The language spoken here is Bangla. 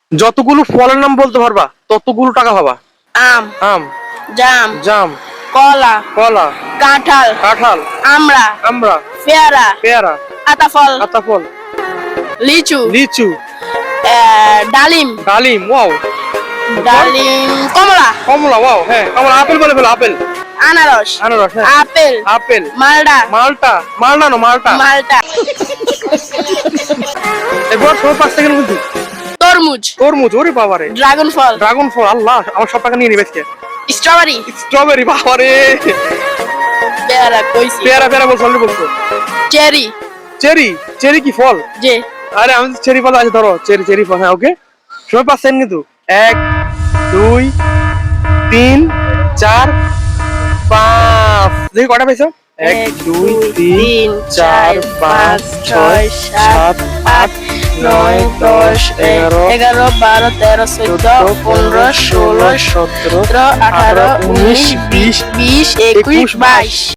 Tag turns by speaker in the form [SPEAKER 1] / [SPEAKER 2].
[SPEAKER 1] যতগুলো ফলের নাম বলতে পারবা ততগুলো টাকা পাবা।
[SPEAKER 2] আম,
[SPEAKER 1] আম,
[SPEAKER 2] জাম,
[SPEAKER 1] জাম,
[SPEAKER 2] কলা,
[SPEAKER 1] কলা,
[SPEAKER 2] কাঁঠাল,
[SPEAKER 1] কাঁঠাল,
[SPEAKER 2] আমড়া,
[SPEAKER 1] আমড়া,
[SPEAKER 2] পেয়ারা,
[SPEAKER 1] পেয়ারা,
[SPEAKER 2] আতাফল,
[SPEAKER 1] আতাফল,
[SPEAKER 2] লিচু,
[SPEAKER 1] লিচু,
[SPEAKER 2] ডালিম,
[SPEAKER 1] ডালিম, ওয়াও,
[SPEAKER 2] ডালিম, কমলা,
[SPEAKER 1] কমলা, ওয়াও, হ্যাঁ কমলা, আপেল বলে ফেলো, আপেল,
[SPEAKER 2] আনারস,
[SPEAKER 1] আনারস, হ্যাঁ,
[SPEAKER 2] আপেল,
[SPEAKER 1] আপেল,
[SPEAKER 2] মালটা,
[SPEAKER 1] মালটা, মালটা না মালটা।
[SPEAKER 2] মালটা,
[SPEAKER 1] এবার সময় 5 সেকেন্ড কিন্তু।
[SPEAKER 2] তরমুজ,
[SPEAKER 1] তরমুজ, ওরে বাবারে,
[SPEAKER 2] ড্রাগন ফল,
[SPEAKER 1] ড্রাগন ফল, আল্লাহ আমার সব টাকা নিয়ে নিবে আজকে।
[SPEAKER 2] স্ট্রবেরি,
[SPEAKER 1] স্ট্রবেরি, বাবারে,
[SPEAKER 2] পেয়ারা কইছি,
[SPEAKER 1] পেয়ারা, পেয়ারা বলছো, অলরেডি বলছো।
[SPEAKER 2] চেরি,
[SPEAKER 1] চেরি, চেরি কি ফল?
[SPEAKER 2] যে
[SPEAKER 1] আরে আমি চেরি ফল আছে, ধরো চেরি, চেরি ফল, হ্যাঁ ওকে। সময় 5 সেকেন্ড কিন্তু। 1, 2, 3, 4, 5। দেখি কটা পেয়েছো? 1, 2, 3, 4, 5, 6, 7, 8, 9, 10, 11,
[SPEAKER 2] 12, 13, 14, 15, 16,
[SPEAKER 1] 17,
[SPEAKER 2] 18, 19, 20, 21, 22